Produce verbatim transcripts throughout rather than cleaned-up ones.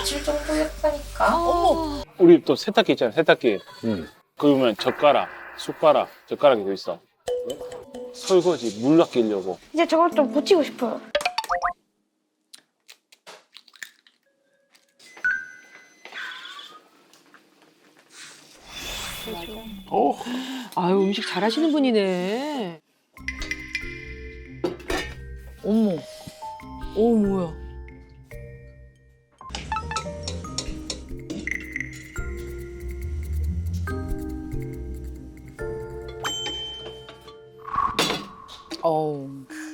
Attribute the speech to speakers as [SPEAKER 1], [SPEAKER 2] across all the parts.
[SPEAKER 1] 개칠 정도였다니까.
[SPEAKER 2] 어머.
[SPEAKER 3] 우리 또 세탁기 있잖아, 세탁기.
[SPEAKER 4] 응.
[SPEAKER 3] 그러면 젓가락, 숟가락, 젓가락이 더 있어. 설거지, 물 아끼려고.
[SPEAKER 5] 이제 저걸 좀 고치고 싶어요.
[SPEAKER 3] 오.
[SPEAKER 2] 아유, 음식 잘하시는 분이네. 어머. 오, 뭐야. 어우.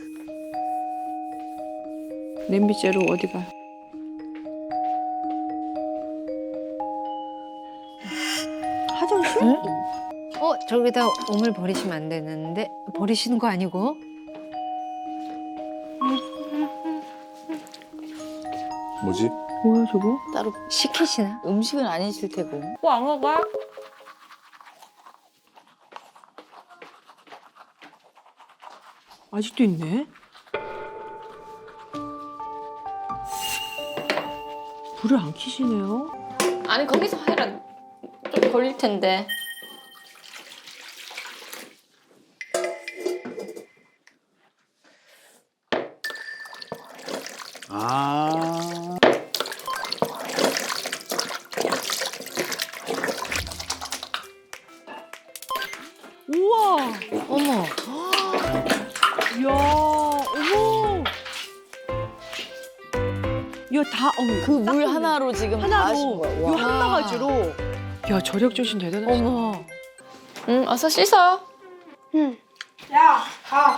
[SPEAKER 2] 냄비째로 어디 가? 화장실? 응?
[SPEAKER 6] 어, 저기다 오물 버리시면 안 되는데 버리시는 거 아니고?
[SPEAKER 4] 뭐지?
[SPEAKER 2] 뭐야 저거?
[SPEAKER 6] 따로 시키시나?
[SPEAKER 7] 음식은 아니실 테고.
[SPEAKER 2] 왕어가? 아직도 있네. 불을 안 켜시네요.
[SPEAKER 1] 아니 거기서 해라. 좀 걸릴 텐데.
[SPEAKER 4] 아.
[SPEAKER 2] 우와.
[SPEAKER 6] 어머,
[SPEAKER 2] 이야. 어머. 이거 다 어머.
[SPEAKER 7] 그 물 하나로 지금 다 하신
[SPEAKER 2] 하나로.
[SPEAKER 7] 거야.
[SPEAKER 2] 이거
[SPEAKER 7] 와.
[SPEAKER 2] 한 바가지로. 야 저력 조신 대단하시다.
[SPEAKER 6] 어머.
[SPEAKER 1] 응, 어서 씻어.
[SPEAKER 5] 응. 야, 가.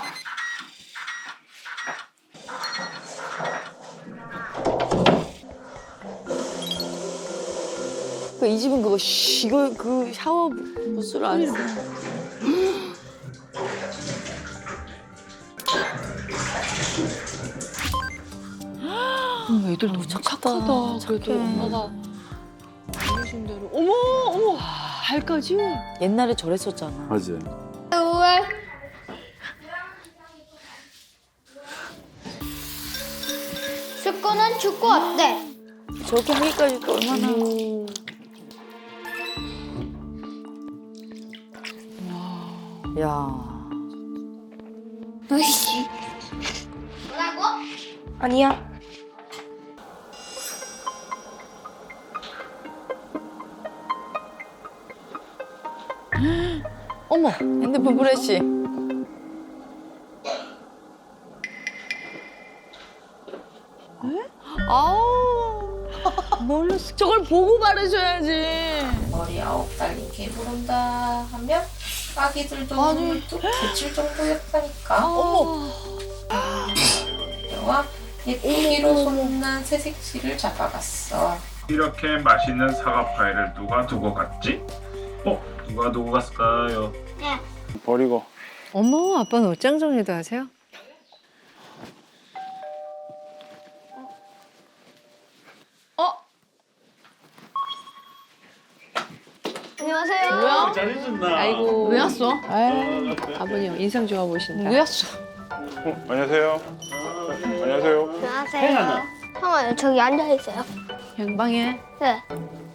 [SPEAKER 7] 그 이 집은 그거 쉬, 이거 그 샤워 부스를 안 써.
[SPEAKER 2] 음, 애들 너무 착하다. 그래도 엄마가 알려준 대로. 어머 어머 발까지.
[SPEAKER 7] 옛날에 저랬었잖아.
[SPEAKER 4] 맞아.
[SPEAKER 5] 우월. 축구는 축구 어때?
[SPEAKER 7] 저렇게 하기까지 또 얼마나. 야.
[SPEAKER 5] 으이씨. 뭐라고? 아니야.
[SPEAKER 7] 어머, 핸드폰 프레시. 아우. 뭘로 쓰- 저걸 보고 바르셔야지.
[SPEAKER 1] 머리 아홉 달 이렇게 부른다 하면 아기들도 물도 개칠 정도였다니까.
[SPEAKER 7] 어머.
[SPEAKER 1] 영화 예쁘기로 소문난 새색시를 잡아갔어.
[SPEAKER 8] 이렇게 맛있는 사과 파이를 누가 두고 갔지? 어? 누가 두고 갔을까요?
[SPEAKER 3] 버리고.
[SPEAKER 6] 어머, 아빠는 옷장 정리도 하세요?
[SPEAKER 5] 안녕하세요.
[SPEAKER 2] 뭐야?
[SPEAKER 8] 잘해준다.
[SPEAKER 2] 아이고.
[SPEAKER 6] 왜 왔어?
[SPEAKER 2] 아버님 인상 좋아 보신다.
[SPEAKER 6] 왜 왔어?
[SPEAKER 3] 어, 안녕하세요. 안녕하세요.
[SPEAKER 5] 안녕하세요. 형아 저기 앉아 있어요.
[SPEAKER 6] 양방에.
[SPEAKER 5] 네.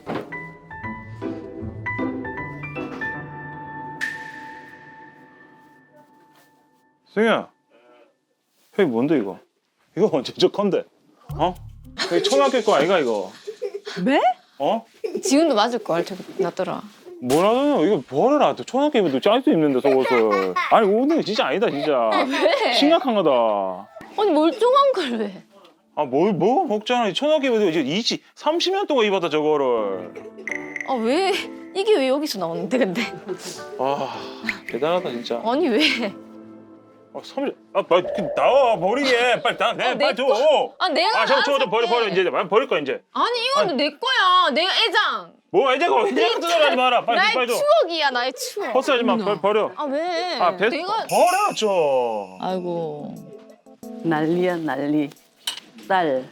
[SPEAKER 3] 승희야. 형이 뭔데 이거? 이거 언제 저 건데? 어? 여기 초등학교 거 아이가 이거?
[SPEAKER 2] 네?
[SPEAKER 3] 어?
[SPEAKER 1] 지금도 맞을 걸 저기 놨더라.
[SPEAKER 3] 뭐라노? 이거 버려라. 또 초등학교 입어도 짤수 입는데 속옷을. 아니 오늘 진짜 아니다 진짜. 심각한 거다.
[SPEAKER 1] 아니 멀쩡한 걸 왜?
[SPEAKER 3] 아 뭘 뭐 먹잖아. 초등학교 입어도 이제 이십, 삼십 년 동안 입었다 저거를.
[SPEAKER 1] 아 왜? 이게 왜 여기서 나오는데 근데?
[SPEAKER 3] 아 대단하다 진짜.
[SPEAKER 1] 아니 왜?
[SPEAKER 3] 아 삼십, 아 빨리 나와 버리게. 빨리 나, 내
[SPEAKER 1] 내
[SPEAKER 3] 빨리 줘.
[SPEAKER 1] 아 내가
[SPEAKER 3] 아 저거 저거 저
[SPEAKER 1] 알아서
[SPEAKER 3] 버려 버려
[SPEAKER 1] 할게.
[SPEAKER 3] 이제 버릴 거야 이제.
[SPEAKER 1] 아니 이거는 내 거야. 내가 애장.
[SPEAKER 3] 뭐 이제 거 이제 뜯어가지 마라. 빨리
[SPEAKER 1] 나의
[SPEAKER 3] 빨리 줘.
[SPEAKER 1] 추억이야 나의 추억.
[SPEAKER 3] 헛소리하지 마. 빨리 버려.
[SPEAKER 1] 아 왜?
[SPEAKER 3] 아 배,
[SPEAKER 1] 내가
[SPEAKER 3] 버려 줘.
[SPEAKER 7] 아이고.
[SPEAKER 9] 난리야 난리. 딸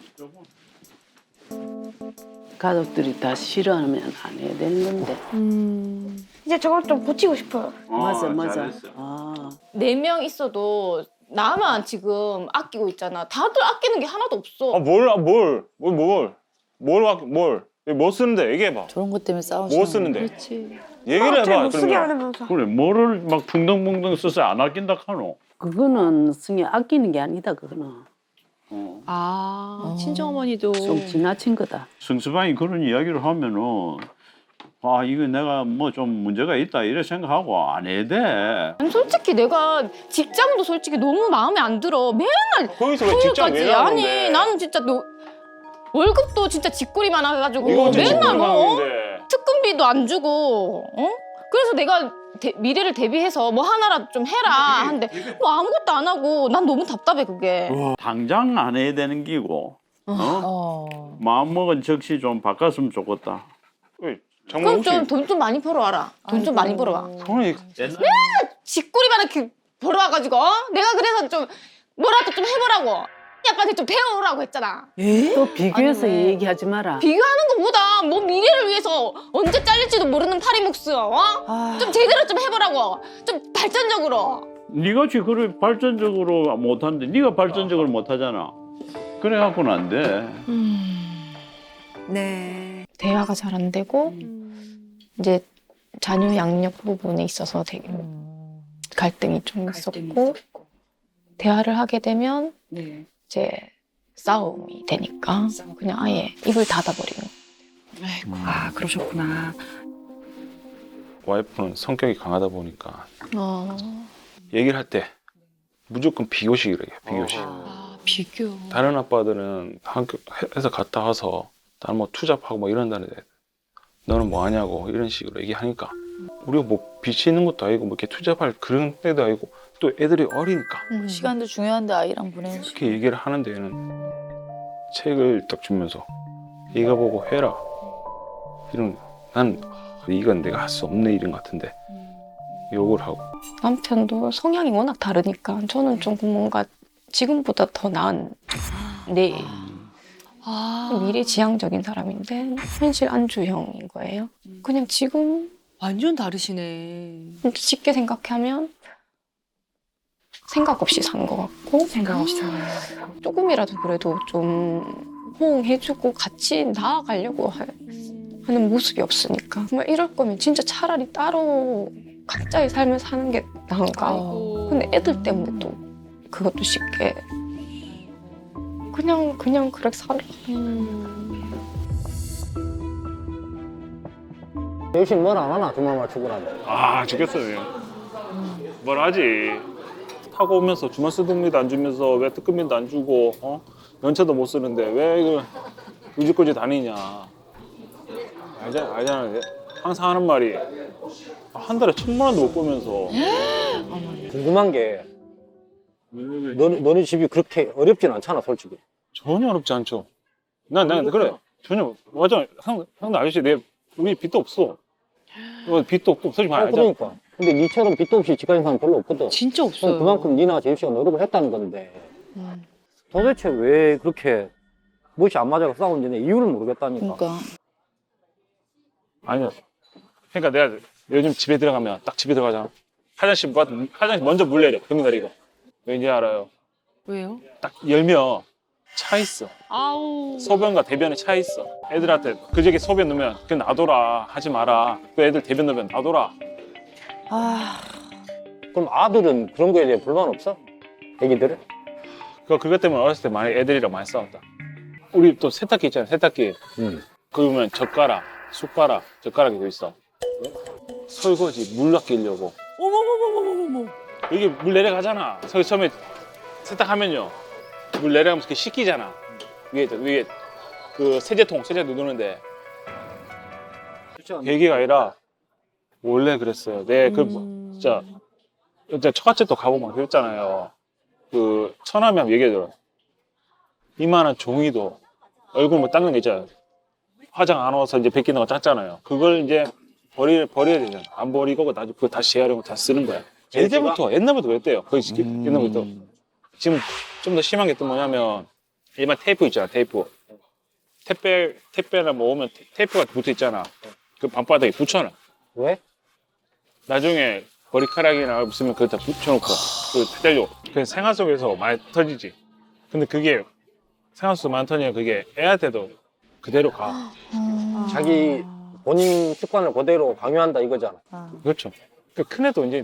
[SPEAKER 9] 가족들이 다 싫어하면 안 해야 되는 건데.
[SPEAKER 2] 음.
[SPEAKER 5] 이제 저걸 좀 고치고 싶어요.
[SPEAKER 9] 맞아 맞아.
[SPEAKER 8] 잘했어.
[SPEAKER 9] 아
[SPEAKER 1] 네 명 있어도 나만 지금 아끼고 있잖아. 다들 아끼는 게 하나도 없어.
[SPEAKER 3] 아 뭘, 아 뭘, 뭘, 뭘. 뭘, 와- 뭘, 뭐 쓰는데 얘기해봐.
[SPEAKER 9] 저런 것 때문에 싸우시는
[SPEAKER 3] 뭐 쓰는데?
[SPEAKER 2] 그렇지.
[SPEAKER 3] 얘기를 해봐.
[SPEAKER 5] 못 쓰게
[SPEAKER 3] 그러면.
[SPEAKER 5] 하려면서.
[SPEAKER 4] 그래 뭐를 막 붕덩붕덩 써서 안 아낀다 카노.
[SPEAKER 9] 그거는 승희 아끼는 게 아니다 그거는.
[SPEAKER 4] 어.
[SPEAKER 2] 아, 친정어머니도.
[SPEAKER 9] 좀 지나친 거다.
[SPEAKER 4] 성수방이 그런 이야기를 하면은 아 이거 내가 뭐 좀 문제가 있다 이래 생각하고 안 해야 돼.
[SPEAKER 10] 아니, 솔직히 내가 직장도 솔직히 너무 마음에 안 들어. 맨날
[SPEAKER 3] 거기서 왜 직장 왜
[SPEAKER 10] 토요일까지.
[SPEAKER 3] 나오는데?
[SPEAKER 10] 아니 나는 진짜 너 월급도 진짜 쥐꼬리만 해가지고
[SPEAKER 3] 이거 진짜
[SPEAKER 10] 맨날
[SPEAKER 3] 직장
[SPEAKER 10] 뭐 어?
[SPEAKER 3] 나오는데.
[SPEAKER 10] 특근비도 안 주고 어? 그래서 내가 대- 미래를 대비해서 뭐 하나라도 좀 해라 하는데 뭐 아무것도 안 하고 난 너무 답답해 그게.
[SPEAKER 4] 당장 안 해야 되는 기고. 어?
[SPEAKER 9] 어.
[SPEAKER 4] 마음먹은 적시 좀 바꿨으면 좋겠다.
[SPEAKER 3] 어이, 장모
[SPEAKER 10] 그럼
[SPEAKER 3] 혹시
[SPEAKER 10] 좀 돈 좀 많이 벌어와라. 돈 좀 많이 벌어와.
[SPEAKER 3] 성원이
[SPEAKER 10] 쥐꼬리만 이렇게 벌어와가지고 어? 내가 그래서 좀 뭐라도 좀 해보라고. 아빠한테 좀 배워오라고 했잖아.
[SPEAKER 9] 또 비교해서 얘기하지 마라.
[SPEAKER 10] 비교하는 것보다 뭐 미래를 위해서 언제 잘릴지도 모르는 파리 목숨 어? 좀 제대로 좀 해보라고. 좀 발전적으로.
[SPEAKER 4] 네가 지금 발전적으로 못하는데 네가 발전적으로 못하잖아. 그래갖고는 안 돼.
[SPEAKER 6] 네.
[SPEAKER 10] 대화가 잘 안 되고 이제 자녀 양육 부분에 있어서 되게 갈등이 좀 있었고 대화를 하게 되면
[SPEAKER 9] 네.
[SPEAKER 10] 이제 싸움이 되니까 그냥 아예 입을 닫아버리는.
[SPEAKER 2] 아, 그러셨구나.
[SPEAKER 3] 와이프는 성격이 강하다 보니까
[SPEAKER 10] 어.
[SPEAKER 3] 얘기를 할 때 무조건 비교식이래. 비교식.
[SPEAKER 2] 아, 비교.
[SPEAKER 3] 다른 아빠들은 학교 회사 갔다 와서 나는 뭐 투잡하고 뭐 이런다는데 너는 뭐 하냐고 이런 식으로 얘기하니까 우리가 뭐 빚이 있는 것도 아니고 뭐 이렇게 투잡할 그런 때도 아니고 또 애들이 어리니까
[SPEAKER 9] 시간도 중요한데 아이랑 보내는 시간.
[SPEAKER 3] 그렇게 얘기를 하는데 얘는 책을 딱 주면서 이거 보고 해라 이런 난 이건 내가 할 수 없는 일인 것 같은데 욕을 하고
[SPEAKER 10] 남편도 성향이 워낙 다르니까 저는 좀 뭔가 지금보다 더 나은 내
[SPEAKER 2] 아,
[SPEAKER 10] 미래지향적인 사람인데 현실 안주형인 거예요. 그냥 지금
[SPEAKER 2] 완전 다르시네.
[SPEAKER 10] 쉽게 생각하면 생각 없이 산 것 같고
[SPEAKER 2] 생각 없이 사는.
[SPEAKER 10] 조금이라도 그래도 좀 호응해주고 같이 나아가려고 하- 하는 모습이 없으니까 정말 이럴 거면 진짜 차라리 따로 각자의 삶을 사는 게 나은가.
[SPEAKER 2] 아이고.
[SPEAKER 10] 근데 애들 때문에 또 그것도 쉽게 그냥 그냥 그렇게 살아.
[SPEAKER 11] 대신 뭘 안 하나 주말 맞추고라도.
[SPEAKER 3] 아 죽겠어요. 뭘 하지. 타고 오면서 주말 쓰동비도 안 주면서 왜 특급비도 안 주고 어? 연차도 못 쓰는데 왜 이걸 유지까지 다니냐. 알잖아, 알잖아. 항상 하는 말이 한 달에 천만 원도 못 벌면서
[SPEAKER 11] 궁금한 게 너, 너네 집이 그렇게 어렵진 않잖아 솔직히.
[SPEAKER 3] 전혀 어렵지 않죠. 난, 난 그래. 전혀 맞아. 형, 형도 아저씨 내 우리 빚도 없어. 어, 빚도 없고 솔직히
[SPEAKER 11] 아,
[SPEAKER 3] 말하자.
[SPEAKER 11] 그러니까. 근데 니처럼 빚도 없이 집 가진 사람 별로 없거든.
[SPEAKER 2] 진짜 없어요.
[SPEAKER 11] 그만큼 니나 제수씨가 노력을 했다는 건데 도대체 왜 그렇게 무엇이 안 맞아서 싸우는지 이유를 모르겠다니까.
[SPEAKER 9] 그러니까.
[SPEAKER 3] 아니야. 그러니까 내가 요즘 집에 들어가면 딱 집에 들어가잖아. 화장실 뭐- 화장실 먼저 물 내려. 금날 이거. 왠지 알아요.
[SPEAKER 2] 왜요?
[SPEAKER 3] 딱 열면 차 있어.
[SPEAKER 2] 아우.
[SPEAKER 3] 소변과 대변에 차 있어. 애들한테 그저께 소변 넣으면 그 놔둬라 하지 마라. 그 애들 대변 넣으면 놔둬라.
[SPEAKER 11] 아. 그럼 아들은 그런 거에 대해 불만 없어? 애기들은?
[SPEAKER 3] 그 그것 때문에 어렸을 때 많이 애들이랑 많이 싸웠다. 우리 또 세탁기 있잖아. 세탁기.
[SPEAKER 11] 응.
[SPEAKER 3] 그러면 젓가락, 숟가락, 젓가락이 돼 있어. 설거지 물 아끼려고.
[SPEAKER 2] 어머머머머머머.
[SPEAKER 3] 여기 물 내려가잖아. 서 처음에 세탁하면요. 물 내려가면서 이렇게 씻기잖아. 위에 위에 그 세제통 세제도 누르는데 계기가 아니라 원래 그랬어요. 내 그 진짜 진짜 처갓집도 가보고 막 그랬잖아요. 그 처남이 한번 얘기해 들어. 이만한 종이도 얼굴 뭐 닦는 게 있잖아요. 화장 안 와서 이제 벗기는 거 짰잖아요. 그걸 이제 버리 버려야 되잖아. 안 버리고 나중에 그거 다시 재활용을 다 쓰는 거야. 예전부터 옛날부터 그랬대요. 거의
[SPEAKER 4] 음.
[SPEAKER 3] 옛날부터. 지금 좀 더 심한 게 또 뭐냐면 일반 테이프 있잖아. 테이프. 택배 택배나 뭐 오면 테- 테이프가 붙어 있잖아. 그 방바닥에 붙여놔.
[SPEAKER 11] 왜?
[SPEAKER 3] 나중에 머리카락이나 없으면 그거 다 붙여놓고 그 떼려. 그 생활 속에서 많이 터지지. 근데 그게 생활 속에서 많이 터지면 그게 애한테도 그대로 가.
[SPEAKER 11] 자기 본인 습관을 그대로 강요한다 이거잖아.
[SPEAKER 3] 그렇죠. 그 큰애도 이제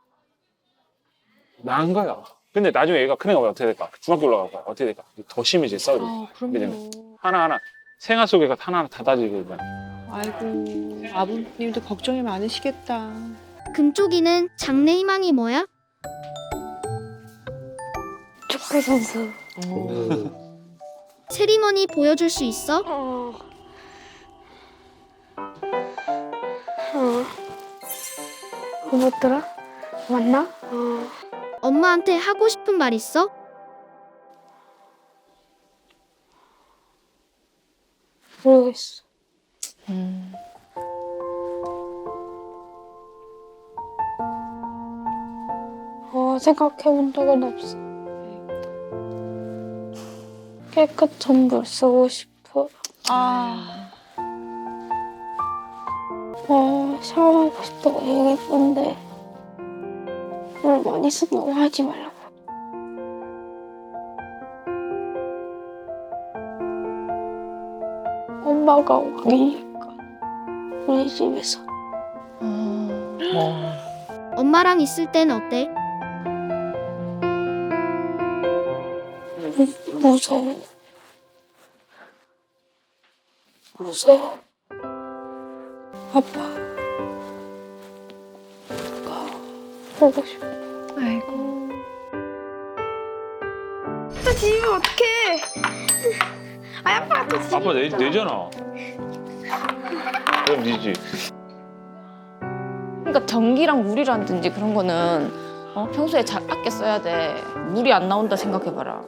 [SPEAKER 3] 나은 거야. 근데 나중에 얘가 큰애가 어떻게 될까? 중학교 올라가고 어떻게 될까? 더 심해질 싸우고.
[SPEAKER 2] 아,
[SPEAKER 3] 왜냐면
[SPEAKER 2] 그럼요.
[SPEAKER 3] 하나하나 생활 속에가 하나하나 다 다지거든.
[SPEAKER 2] 아이고, 아버님도 걱정이 많으시겠다.
[SPEAKER 5] 금쪽이는 장래 희망이 뭐야?
[SPEAKER 10] 축구 선수.
[SPEAKER 5] 세리머니 보여줄 수 있어?
[SPEAKER 10] 어. 어. 뭐더라? 맞나? 어.
[SPEAKER 5] 엄마한테 하고 싶은 말 있어?
[SPEAKER 10] 모르겠어.
[SPEAKER 2] 음.
[SPEAKER 10] 어, 생각해본 적은 없어. 깨끗한 물 쓰고 싶어.
[SPEAKER 2] 아.
[SPEAKER 10] 어, 샤워하고 싶다고 얘기했는데 물 많이 쓴다고 하지 말라고. 엄마가 왕이니까 우리 집에서.
[SPEAKER 5] 엄마랑 있을 땐 어때?
[SPEAKER 10] 무서워. 무서워. 아빠. 가 보고 싶어.
[SPEAKER 6] 아이고.
[SPEAKER 10] 또 지면 어떡해. 아, 아빠가 또 지면
[SPEAKER 3] 아빠 내, 내잖아. 그럼 니지.
[SPEAKER 12] 그러니까 전기랑 물이라든지 그런 거는 어? 평소에 잘 아껴 써야 돼. 물이 안 나온다 생각해봐라.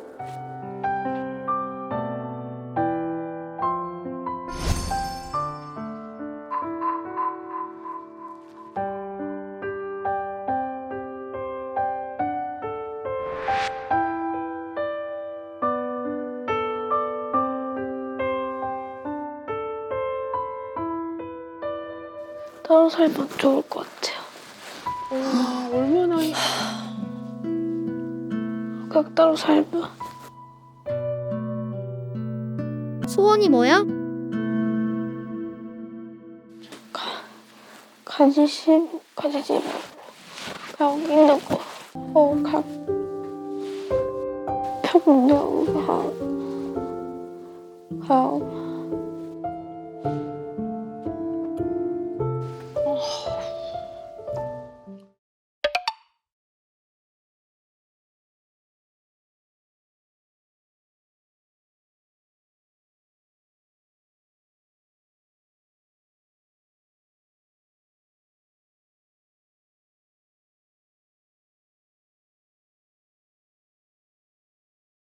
[SPEAKER 10] 따로 살면 좋을 것 같아요.
[SPEAKER 2] 와, 얼마나.
[SPEAKER 10] 그냥 따로 살면.
[SPEAKER 5] 소원이 뭐야?
[SPEAKER 10] 가지심, 가지지 말고 그냥 있는 거. 어, 그냥 평등하고 그냥